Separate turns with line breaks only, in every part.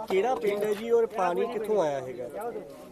ਕਿਹੜਾ ਪਿੰਡ ਹੈ ਜੀ ਔਰ ਪਾਣੀ ਕਿੱਥੋਂ ਆਇਆ ਹੈਗਾ?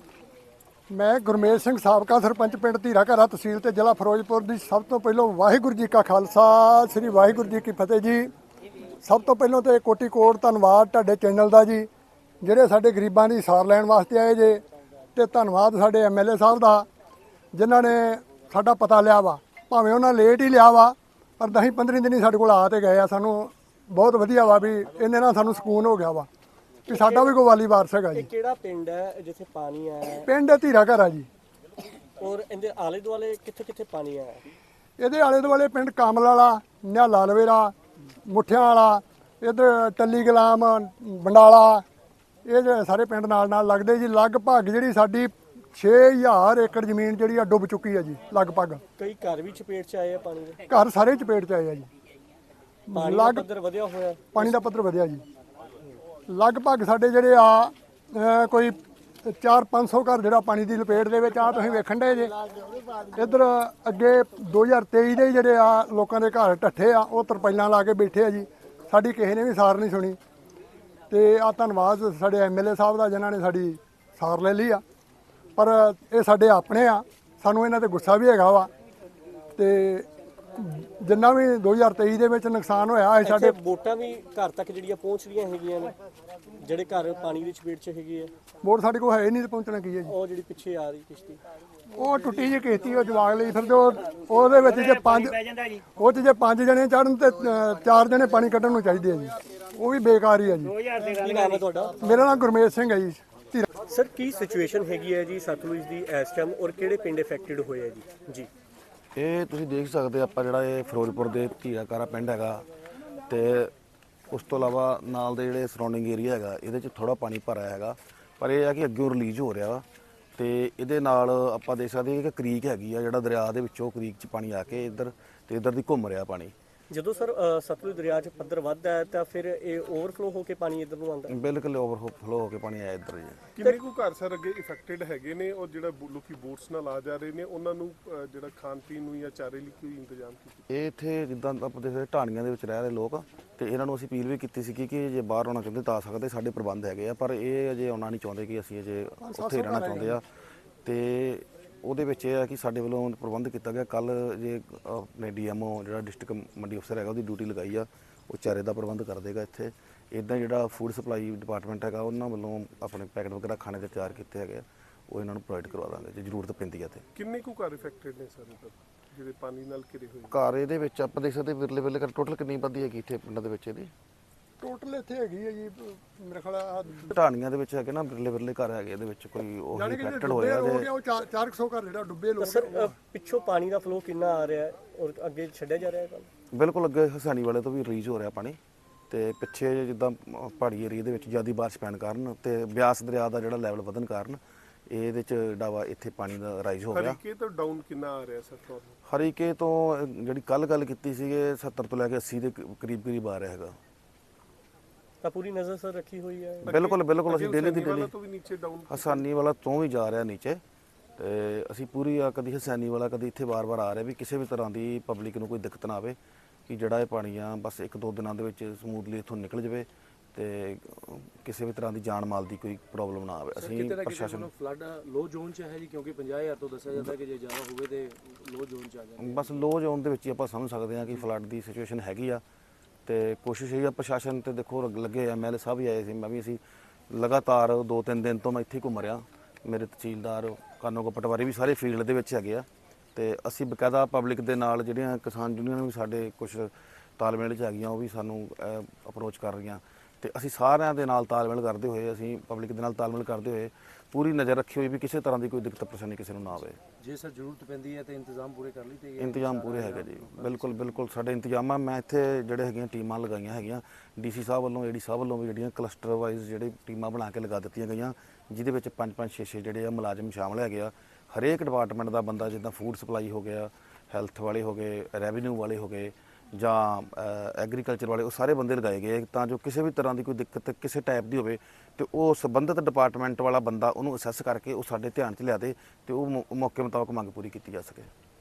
ਮੈਂ ਗੁਰਮੇਲ ਸਿੰਘ ਸਾਬਕਾ ਸਰਪੰਚ ਪਿੰਡ ਧੀਰਾ ਘਰਾ ਤਹਿਸੀਲ ਤੇ ਜ਼ਿਲ੍ਹਾ ਫਿਰੋਜ਼ਪੁਰ ਦੀ। ਸਭ ਤੋਂ ਪਹਿਲਾਂ ਵਾਹਿਗੁਰੂ ਜੀ ਕਾ ਖਾਲਸਾ, ਸ੍ਰੀ ਵਾਹਿਗੁਰੂ ਜੀ ਕੀ ਫਤਿਹ ਜੀ। ਸਭ ਤੋਂ ਪਹਿਲਾਂ ਤੇ ਕੋਟੀ ਕੋਟ ਧੰਨਵਾਦ ਤੁਹਾਡੇ ਚੈਨਲ ਦਾ ਜੀ, ਜਿਹੜੇ ਸਾਡੇ ਗਰੀਬਾਂ ਦੀ ਸਾਰ ਲੈਣ ਵਾਸਤੇ ਆਏ ਜੇ। ਤੇ ਧੰਨਵਾਦ ਸਾਡੇ ਐਮਐਲਏ ਸਾਹਿਬ ਦਾ, ਜਿਨ੍ਹਾਂ ਨੇ ਸਾਡਾ ਪਤਾ ਲਿਆ ਵਾ। ਭਾਵੇਂ ਉਹਨਾਂ ਲੇਟ ਹੀ ਲਿਆ ਵਾ, ਪਰ 10-15 ਦਿਨ ਹੀ ਸਾਡੇ ਕੋਲ ਆ ਤੇ ਗਏ ਆ। ਸਾਨੂੰ ਬਹੁਤ ਵਧੀਆ ਵਾ ਵੀ ਇਹਨੇ ਨਾਲ ਸਾਨੂੰ ਸਕੂਨ ਹੋ ਗਿਆ ਵਾ ਕਿ ਸਾਡਾ ਵੀ ਕੋਈ ਵਾਲੀ ਵਾਰਸ ਹੈਗਾ ਜੀ।
ਇਹ ਕਿਹੜਾ ਪਿੰਡ ਹੈ ਜਿੱਥੇ ਪਾਣੀ ਆਇਆ ਹੈ?
ਪਿੰਡ ਧੀਰਾ ਘਰਾ ਜੀ।
ਔਰ ਇਹਦੇ ਆਲੇ ਦੁਆਲੇ ਕਿੱਥੇ ਕਿੱਥੇ ਪਾਣੀ ਆਇਆ?
ਇਹਦੇ ਆਲੇ ਦੁਆਲੇ ਪਿੰਡ ਕਾਮਲ ਵਾਲਾ, ਨਿਹਾਲਾ ਲਵੇਰਾ, ਮੁੱਠਿਆਂ ਵਾਲਾ, ਇੱਧਰ ਟੱਲੀ ਗੁਲਾਮ, ਬੰਡਾਲਾ, ਇਹ ਜਿਹੜੇ ਸਾਰੇ ਪਿੰਡ ਨਾਲ ਨਾਲ ਲੱਗਦੇ ਜੀ। ਲਗਭਗ ਜਿਹੜੀ ਸਾਡੀ 6000 ਏਕੜ ਜ਼ਮੀਨ ਜਿਹੜੀ ਆ ਡੁੱਬ ਚੁੱਕੀ ਹੈ ਜੀ ਲਗਭਗ।
ਕਈ ਘਰ ਵੀ ਚਪੇਟ 'ਚ ਆਏ ਆ ਪਾਣੀ ਦੇ?
ਘਰ ਸਾਰੇ ਚਪੇਟ 'ਚ ਆਏ ਆ ਜੀ।
ਪਾਣੀ ਦਾ ਪੱਧਰ ਵਧਿਆ ਹੋਇਆ?
ਪਾਣੀ ਦਾ ਪੱਧਰ ਵਧਿਆ ਜੀ। ਲਗਭਗ ਸਾਡੇ ਜਿਹੜੇ ਆ ਕੋਈ 400-500 ਘਰ ਜਿਹੜਾ ਪਾਣੀ ਦੀ ਲਪੇਟ ਦੇ ਵਿੱਚ ਆ। ਤੁਸੀਂ ਵੇਖਣ ਦੇ ਜੇ ਇੱਧਰ ਅੱਗੇ 2023 ਦੇ ਜਿਹੜੇ ਆ ਲੋਕਾਂ ਦੇ ਘਰ ਢੱਠੇ ਆ, ਉਹ ਤਰਪਾਈਲਾਂ ਲਾ ਕੇ ਬੈਠੇ ਆ ਜੀ। ਸਾਡੀ ਕਿਸੇ ਨੇ ਵੀ ਸਾਰ ਨਹੀਂ ਸੁਣੀ। ਤੇ ਆ ਧੰਨਵਾਦ ਸਾਡੇ ਐਮਐਲਏ ਸਾਹਿਬ ਦਾ, ਜਿਨ੍ਹਾਂ ਨੇ ਸਾਡੀ ਸਾਰ ਲੈ ਲਈ ਆ। ਪਰ ਇਹ ਸਾਡੇ ਆਪਣੇ ਆ, ਸਾਨੂੰ ਇਹਨਾਂ ਤੇ ਗੁੱਸਾ ਵੀ ਹੈਗਾ ਵਾ। ਤੇ ਜਿੰਨਾ ਵੀ 2023 ਦੇ ਵਿੱਚ ਨੁਕਸਾਨ ਹੋਇਆ ਹੈ ਸਾਡੇ
ਵੋਟਾਂ ਵੀ ਘਰ ਤੱਕ ਜਿਹੜੀਆਂ ਪਹੁੰਚ ਰਹੀਆਂ ਹੈਗੀਆਂ ਨੇ, ਜਿਹੜੇ ਘਰ ਪਾਣੀ ਦੀ ਚਪੇਟ 'ਚ ਹੈਗੇ ਆ।
ਵੋਟ ਸਾਡੇ ਕੋਲ ਹੈ ਨਹੀਂ ਤੇ ਪਹੁੰਚਣਾ ਕੀ ਹੈ ਜੀ।
ਉਹ ਜਿਹੜੀ ਪਿੱਛੇ ਆ ਰਹੀ ਕਿਸ਼ਤੀ,
ਉਹ ਟੁੱਟੀ ਜਿਹੀ ਕਿਸ਼ਤੀ, ਉਹ ਜਵਾਗ ਲਈ ਫਿਰ ਉਹਦੇ ਵਿੱਚ ਜੇ 5 ਜਣੇ ਚੜਨ ਤੇ 4 ਜਣੇ ਪਾਣੀ ਕੱਢਣ ਨੂੰ ਚਾਹੀਦੇ ਆ ਜੀ। ਉਹ ਵੀ ਬੇਕਾਰ ਹੀ ਆ ਜੀ।
ਕੀ ਨਾਮ ਹੈ ਤੁਹਾਡਾ?
ਮੇਰਾ ਨਾਮ ਗੁਰਮੇਲ ਸਿੰਘ ਹੈ ਜੀ।
ਸਰ, ਕੀ ਸਿਚੁਏਸ਼ਨ ਹੈਗੀ ਹੈ ਜੀ ਸਤਲੁਜ ਦੀ ਇਸ ਟਾਈਮ, ਔਰ ਕਿਹੜੇ ਪਿੰਡ ਇਫੈਕਟਡ ਹੋਏ ਆ ਜੀ?
ਇਹ ਤੁਸੀਂ ਦੇਖ ਸਕਦੇ ਆਪਾਂ ਜਿਹੜਾ ਇਹ ਫਿਰੋਜ਼ਪੁਰ ਦੇ ਧੀਰਾ ਘਰਾ ਪਿੰਡ ਹੈਗਾ, ਤੇ ਉਸ ਤੋਂ ਇਲਾਵਾ ਨਾਲ ਦੇ ਜਿਹੜੇ ਸਰਾਊਂਡਿੰਗ ਏਰੀਆ ਹੈਗਾ, ਇਹਦੇ 'ਚ ਥੋੜਾ ਪਾਣੀ ਭਰਿਆ ਹੈਗਾ। ਪਰ ਇਹ ਹੈ ਕਿ ਅੱਗੇ ਰਿਲੀਜ਼ ਹੋ ਰਿਹਾ ਵਾ। ਤੇ ਇਹਦੇ ਨਾਲ ਆਪਾਂ ਦੇਖ ਸਕਦੇ ਹਾਂ ਕਿ ਕ੍ਰੀਕ ਹੈਗੀ ਆ, ਜਿਹੜਾ ਦਰਿਆ ਦੇ ਵਿੱਚੋਂ ਕ੍ਰੀਕ 'ਚ ਪਾਣੀ ਆ ਕੇ ਇੱਧਰ ਤੇ ਇੱਧਰ ਦੀ ਘੁੰਮ ਰਿਹਾ ਪਾਣੀ।
ਜਦੋਂ ਸਰ ਸਤਲੁਜ ਦਰਿਆ 'ਚ ਪੱਧਰ ਵੱਧਦਾ ਹੈ ਤਾਂ ਫਿਰ ਇਹ ਓਵਰਫਲੋ ਹੋ ਕੇ ਪਾਣੀ ਇੱਧਰ ਨੂੰ ਆਉਂਦਾ?
ਬਿਲਕੁਲ ਓਵਰਫਲੋ ਹੋ ਕੇ ਪਾਣੀ ਆਇਆ ਇੱਧਰ ਜੀ।
ਕਿੰਨੇ ਕੁ ਘਰ ਸਰ ਅੱਗੇ ਇਫੈਕਟਡ ਹੈਗੇ ਨੇ, ਔਰ ਜਿਹੜਾ ਲੋਕੀ ਬੋਟਸ ਨਾਲ ਆ ਜਾ ਰਹੇ ਨੇ, ਉਹਨਾਂ ਨੂੰ ਜਿਹੜਾ ਖਾਣ ਪੀਣ ਨੂੰ ਜਾਂ ਚਾਰੇ ਲਈ ਕੋਈ ਇੰਤਜ਼ਾਮ ਕੀਤਾ?
ਇਹ ਇੱਥੇ ਜਿੱਦਾਂ ਆਪਾਂ ਦੇਖਦੇ ਢਾਣੀਆਂ ਦੇ ਵਿੱਚ ਰਹਿ ਰਹੇ ਲੋਕ, ਤੇ ਇਹਨਾਂ ਨੂੰ ਅਸੀਂ ਅਪੀਲ ਵੀ ਕੀਤੀ ਸੀ ਕਿ ਜੇ ਬਾਹਰ ਆਉਣਾ ਚਾਹੁੰਦੇ ਤਾਂ ਆ ਸਕਦੇ, ਸਾਡੇ ਪ੍ਰਬੰਧ ਹੈਗੇ ਆ। ਪਰ ਇਹ ਅਜੇ ਆਉਣਾ ਨਹੀਂ ਚਾਹੁੰਦੇ ਕਿ ਅਸੀਂ ਅਜੇ ਉੱਥੇ ਰਹਿਣਾ ਚਾਹੁੰਦੇ ਆ। ਤੇ ਉਹਦੇ ਵਿੱਚ ਇਹ ਹੈ ਕਿ ਸਾਡੇ ਵੱਲੋਂ ਪ੍ਰਬੰਧ ਕੀਤਾ ਗਿਆ। ਕੱਲ ਜੇ ਆਪਣੇ ਡੀਐਮਓ ਜਿਹੜਾ ਡਿਸਟ੍ਰਿਕਟ ਮੰਡੀ ਅਫਸਰ ਹੈਗਾ, ਉਹਦੀ ਡਿਊਟੀ ਲਗਾਈ ਆ, ਉਹ ਚਾਰੇ ਦਾ ਪ੍ਰਬੰਧ ਕਰ ਦੇਗਾ ਇੱਥੇ। ਇੱਦਾਂ ਜਿਹੜਾ ਫੂਡ ਸਪਲਾਈ ਡਿਪਾਰਟਮੈਂਟ ਹੈਗਾ, ਉਹਨਾਂ ਵੱਲੋਂ ਆਪਣੇ ਪੈਕਟ ਵਗੈਰਾ ਖਾਣੇ ਦੇ ਤਿਆਰ ਕੀਤੇ ਹੈਗੇ ਆ, ਉਹ ਇਹਨਾਂ ਨੂੰ ਪ੍ਰੋਵਾਈਡ ਕਰਵਾ ਦਾਂਗੇ ਜੇ ਜ਼ਰੂਰਤ ਪੈਂਦੀ ਹੈ। ਤੇ
ਕਿੰਨੇ ਕੁ ਘਰ ਇਫੈਕਟਡ ਨੇ ਸਰ ਜਿਹੜੇ ਪਾਣੀ ਨਾਲ ਘਿਰੇ ਹੋਏ?
ਘਰ ਇਹਦੇ ਵਿੱਚ ਆਪਾਂ ਦੇਖ ਸਕਦੇ ਵਿਰਲੇ ਵਿਰਲੇ ਕਰ ਟੋਟਲ ਕਿੰਨੀ ਆਬਾਦੀ ਹੈਗੀ ਇੱਥੇ ਪਿੰਡਾਂ ਦੇ ਵਿੱਚ? ਇਹਦੀ
ਟੋਟਲ ਇੱਥੇ ਹੈਗੀ ਹੈ ਜੀ ਮੇਰੇ ਖਿਆਲ
ਢਾਣੀਆਂ ਦੇ ਵਿੱਚ ਹੈਗੇ ਨਾ, ਵਿਰਲੇ ਵਿਰਲੇ ਘਰ ਹੈਗੇ, ਇਹਦੇ ਵਿੱਚ ਕੋਈ ਉਹ ਇਫੈਕਟਡ ਹੋਇਆ ਜੇ।
ਉਹ 400 ਘਰ ਜਿਹੜਾ ਡੁੱਬੇ ਲੋਕ।
ਸਰ, ਪਿੱਛੋਂ ਪਾਣੀ ਦਾ ਫਲੋ ਕਿੰਨਾ ਆ ਰਿਹਾ ਹੈ ਔਰ ਅੱਗੇ ਛੱਡਿਆ ਜਾ ਰਿਹਾ ਹੈ?
ਬਿਲਕੁਲ ਅੱਗੇ ਹਸਾਨੀ ਵਾਲੇ ਤੋਂ ਵੀ ਰਿਲੀਜ਼ ਹੋ ਰਿਹਾ ਪਾਣੀ। ਤੇ ਪਿੱਛੇ ਜਿੱਦਾਂ ਪਹਾੜੀ ਏਰੀਆ ਦੇ ਵਿੱਚ ਜ਼ਿਆਦਾ ਬਾਰਿਸ਼ ਪੈਣ ਕਾਰਨ ਤੇ ਬਿਆਸ ਦਰਿਆ ਦਾ ਜਿਹੜਾ ਲੈਵਲ ਵਧਣ ਕਾਰਨ ਇਹਦੇ ਚ ਡਾਵਾ ਇੱਥੇ ਪਾਣੀ ਦਾ ਰਾਈਜ਼ ਹੋ ਗਿਆ।
ਹਰੀਕੇ ਤੋਂ ਡਾਊਨ ਕਿੰਨਾ ਆ ਰਿਹਾ ਸਰ ਤੁਹਾਨੂੰ?
ਹਰੀਕੇ ਤੋਂ ਜਿਹੜੀ ਕੱਲ ਗੱਲ ਕੀਤੀ ਸੀਗੇ 70 ਤੋਂ ਲੈ ਕੇ 80 ਦੇ ਕਰੀਬ ਕਰੀਬ ਆ ਰਿਹਾ ਹੈਗਾ।
ਤਾਂ ਪੂਰੀ ਨਜ਼ਰ ਸਰ ਰੱਖੀ ਹੋਈ ਹੈ?
ਬਿਲਕੁਲ ਬਿਲਕੁਲ ਅਸੀਂ ਡੇਲੀ ਦੀ ਡੇਲੀ
ਤੋਂ ਵੀ ਨੀਚੇ ਡਾਊਨ
ਹਸਾਨੀ ਵਾਲਾ ਤੋਂ ਵੀ ਜਾ ਰਿਹਾ ਨੀਚੇ। ਤੇ ਅਸੀਂ ਪੂਰੀ ਕਦੀ ਹਸਾਨੀ ਵਾਲਾ ਕਦੀ ਇੱਥੇ ਵਾਰ-ਵਾਰ ਆ ਰਿਹਾ ਵੀ ਕਿਸੇ ਵੀ ਤਰ੍ਹਾਂ ਦੀ ਪਬਲਿਕ ਨੂੰ ਕੋਈ ਦਿੱਕਤ ਨਾ ਆਵੇ, ਕਿ ਜਿਹੜਾ ਇਹ ਪਾਣੀ ਆ ਬਸ 1-2 ਦਿਨਾਂ ਦੇ ਵਿੱਚ ਸਮੂਥਲੀ ਇੱਥੋਂ ਨਿਕਲ ਜਾਵੇ ਤੇ ਕਿਸੇ ਵੀ ਤਰ੍ਹਾਂ ਦੀ ਜਾਨ ਮਾਲ ਦੀ ਕੋਈ ਪ੍ਰੋਬਲਮ ਨਾ ਆਵੇ। ਅਸੀਂ ਪ੍ਰਸ਼ਾਸਨ
ਫਲੱਡ ਲੋ ਜ਼ੋਨ 'ਚ ਹੈ ਜੀ, ਕਿਉਂਕਿ 50000 ਤੋਂ ਦੱਸਿਆ ਜਾਂਦਾ ਕਿ ਜੇ ਜ਼ਿਆਦਾ ਹੋਵੇ ਤੇ ਲੋ ਜ਼ੋਨ 'ਚ ਆ ਜਾਵੇ।
ਬਸ ਲੋ ਜ਼ੋਨ ਦੇ ਵਿੱਚ ਹੀ ਆਪਾਂ ਸਮਝ ਸਕਦੇ ਹਾਂ ਕਿ ਫਲੱਡ ਦੀ ਸਿਚੁਏਸ਼ਨ ਹੈਗੀ ਆ। ਤੇ ਕੋਸ਼ਿਸ਼ ਇਹ ਆ ਪ੍ਰਸ਼ਾਸਨ ਤੇ ਦੇਖੋ ਲੱਗੇ ਐਮਐਲਏ ਸਾਹਿਬ ਵੀ ਆਏ ਸੀ, ਮੈਂ ਵੀ ਅਸੀਂ ਲਗਾਤਾਰ 2-3 ਦਿਨ ਤੋਂ ਮੈਂ ਇੱਥੇ ਘੁੰਮ ਰਿਹਾ। ਮੇਰੇ ਤਹਿਸੀਲਦਾਰ ਕਾਨੋਗੋ ਪਟਵਾਰੀ ਵੀ ਸਾਰੇ ਫੀਲਡ ਦੇ ਵਿੱਚ ਹੈਗੇ ਆ। ਤੇ ਅਸੀਂ ਬਕਾਇਦਾ ਪਬਲਿਕ ਦੇ ਨਾਲ ਜਿਹੜੀਆਂ ਕਿਸਾਨ ਯੂਨੀਅਨ ਵੀ ਸਾਡੇ ਕੁਝ ਤਾਲਮੇਲ 'ਚ ਹੈਗੀਆਂ, ਉਹ ਵੀ ਸਾਨੂੰ ਅਪਰੋਚ ਕਰ ਰਹੀਆਂ। ਤੇ ਅਸੀਂ ਸਾਰਿਆਂ ਦੇ ਨਾਲ ਤਾਲਮੇਲ ਕਰਦੇ ਹੋਏ, ਅਸੀਂ ਪਬਲਿਕ ਦੇ ਨਾਲ ਤਾਲਮੇਲ ਕਰਦੇ ਹੋਏ ਪੂਰੀ ਨਜ਼ਰ ਰੱਖੀ ਹੋਈ ਵੀ ਕਿਸੇ ਤਰ੍ਹਾਂ ਦੀ ਕੋਈ ਦਿੱਕਤ ਪਰੇਸ਼ਾਨੀ ਕਿਸੇ ਨੂੰ ਨਾ ਆਵੇ।
ਜੇ ਸਰ ਜ਼ਰੂਰਤ ਪੈਂਦੀ ਹੈ ਤੇ ਇੰਤਜ਼ਾਮ ਪੂਰੇ ਕਰ ਲਈ ਤੇ
ਇੰਤਜ਼ਾਮ ਪੂਰੇ ਹੈਗੇ ਜੀ। ਬਿਲਕੁਲ ਬਿਲਕੁਲ ਸਾਡੇ ਇੰਤਜ਼ਾਮ ਆ। ਮੈਂ ਇੱਥੇ ਜਿਹੜੇ ਹੈਗੀਆਂ ਟੀਮਾਂ ਲਗਾਈਆਂ ਹੈਗੀਆਂ ਡੀਸੀ ਸਾਹਿਬ ਵੱਲੋਂ, ਏਡੀ ਸਾਹਿਬ ਵੱਲੋਂ ਵੀ ਜਿਹੜੀਆਂ ਕਲਸਟਰ ਵਾਈਜ਼ ਜਿਹੜੇ ਟੀਮਾਂ ਬਣਾ ਕੇ ਲਗਾ ਦਿੱਤੀਆਂ ਗਈਆਂ, ਜਿਹਦੇ ਵਿੱਚ 5-5 6-6 ਜਿਹੜੇ ਆ ਮੁਲਾਜ਼ਮ ਸ਼ਾਮਲ ਹੈਗੇ ਆ। ਹਰੇਕ ਡਿਪਾਰਟਮੈਂਟ ਦਾ ਬੰਦਾ, ਜਿੱਦਾਂ ਫੂਡ ਸਪਲਾਈ ਹੋ ਗਿਆ, ਹੈਲਥ ਵਾਲੇ ਹੋ ਗਏ, ਰੈਵਨਿਊ ਵਾਲੇ ਹੋ ਗਏ ਜਾਂ ਐਗਰੀਕਲਚਰ ਵਾਲੇ, ਉਹ ਸਾਰੇ ਬੰਦੇ ਲਗਾਏ ਗਏ ਤਾਂ ਜੋ ਕਿਸੇ ਵੀ ਤਰ੍ਹਾਂ ਦੀ ਕੋਈ ਦਿੱਕਤ ਕਿਸੇ ਟਾਈਪ ਦੀ ਹੋਵੇ ਤੇ ਉਹ ਸੰਬੰਧਿਤ ਡਿਪਾਰਟਮੈਂਟ ਵਾਲਾ ਬੰਦਾ ਉਹਨੂੰ ਅਸੈਸ ਕਰਕੇ ਉਹ ਸਾਡੇ ਧਿਆਨ 'ਚ ਲਿਆ ਦੇ ਤੇ ਉਹ ਮੌਕੇ ਮੁਤਾਬਕ ਮੰਗ ਪੂਰੀ ਕੀਤੀ ਜਾ ਸਕੇ।